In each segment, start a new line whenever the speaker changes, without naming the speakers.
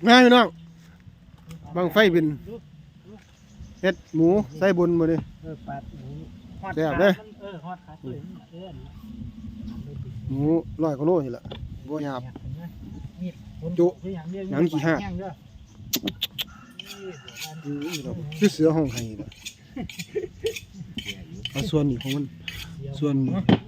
ง่ายพี่น้องบังไฟบินเฮ็ดหมูใส่บุญมาดิ
ปัดหมูฮอด
แซ่บเด้อ
ฮอดขาเลย
หมู100กว่าโลนี่แหละบ่หยาบ
มีด
จุ
หนังขี้ห่า
คือเสือห้องไห้น่ะเอาส่วนนี้ของมันส่วนนี้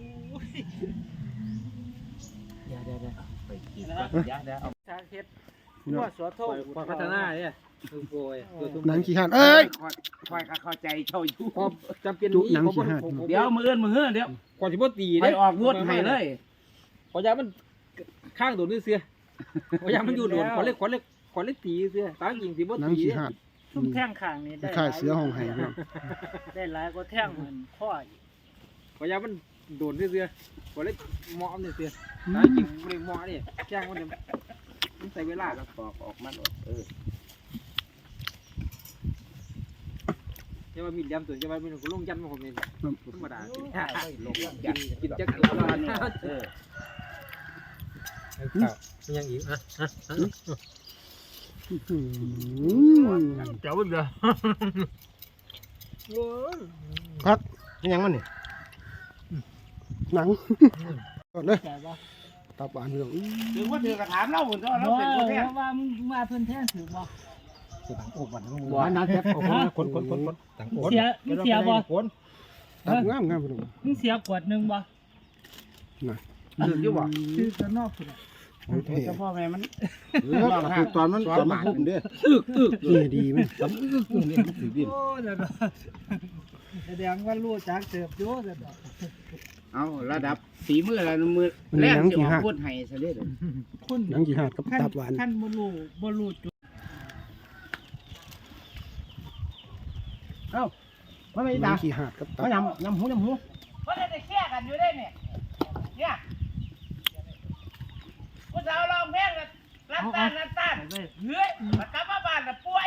ไปกินเอาชาเฮ็ดว่าสวโทพัฒนาเนี่ยคือโวย
หนังขี้ห่านเอ้ย
คอยเข้าใจเจ้าอยู่
พอจำเป็น
จุหนังขี้ห่าน
เดี๋ยวมือเอื้อนเดี๋ยว
ก่อนสิบ่ตี
ไป
เด้
ออกรถให้เลย
ขอยามันข้างโดนนี่เสียขอยามันอยู่โดนขอเล็กตีเสียตาจริงสิบ่
หนัง
ตี
ขี้ห่าน
ซุ่มแท่งข้างนี่ได้
คล้ายๆเสือห้องไห้พี่น้อง
ได้หลายกว่าแท่งมันข้ออีก
ขอยามันโดนนี่เสียขอเล็กเหมาะนี่เสียตาจริงบ่ได้เหมาะนี่แจ้งมันมันใส่เวลา
แล้วปอกออกมาหมด
จะว่ามีดยำตัวจะว่ามีหนูลงยำมาผมนี่ธรรมดา
ลงยัน
กินจักรวาลยังอีกอ่ะเจ้าเด้อ
ครับยังมันนี่หนังก่อนเลย
แต่ว่า
ตับหวานพี่น้อง
ถึงว่าถือกระถางเล่าหุ่นก็เราเป็นคนแท้
ว่ามึงมาเพิ่นแท่งถือบ่
ต่างอกวัน
หวานนะแซ่บ
คนต่างอก
เสียบ่
ตับงามพี่น้อง
มึงเสียขวดนึงบ่
ถืออยู่บ่
ซื้อข้างนอกพุ่น
โอเค
เจ้าพ่อแม่มัน
ตอนมันพุ่มเด้นี่ดีมั้ย
โอ้เด้อแสดงว่ารู้จักเสิร์ฟอยู่เด้อ
เอาระดับฝีมือระดับมือแรกที่ออกพูดให้ซะเด้อ
คน
หนังขี้ห่านกับตับหวาน
ท่านบ่รู้จุด
ว่าไม่
หนั
ตาง
ขี้ห่านกับตับ
ว่ายำหูเพราะได้แค่กันอยู่ได้เนี่ยผู้สาวลองเพลงรับตาเฮ้ยมากลับมาบ้านน่ะป่วย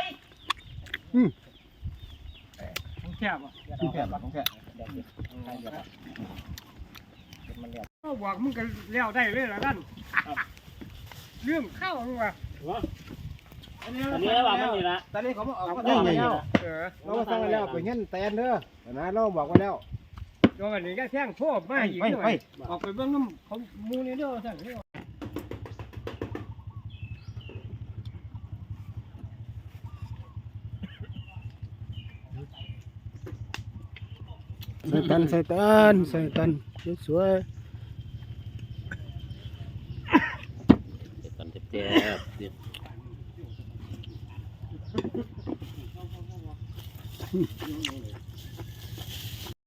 ของแค่บ่
ของแก่บอกมึงก็เลี้ยวได้เลยละนั่นเรื่องข้าวมึงว่ะอันนี้ว่ามันนี่ละตอนนี้เขาบอกออกก็ได้แล้วเราสั่งแล้วไปเงี้ยแตนเด้อนะเราบอกไว้แล้วโยนอันนี้ก็แท่งโทษมาอีกหน่อยออกไปเบื้องน้ำเขามูนี่เด้อสั่ง
ใส่ตันสวย
กันเจ็บๆ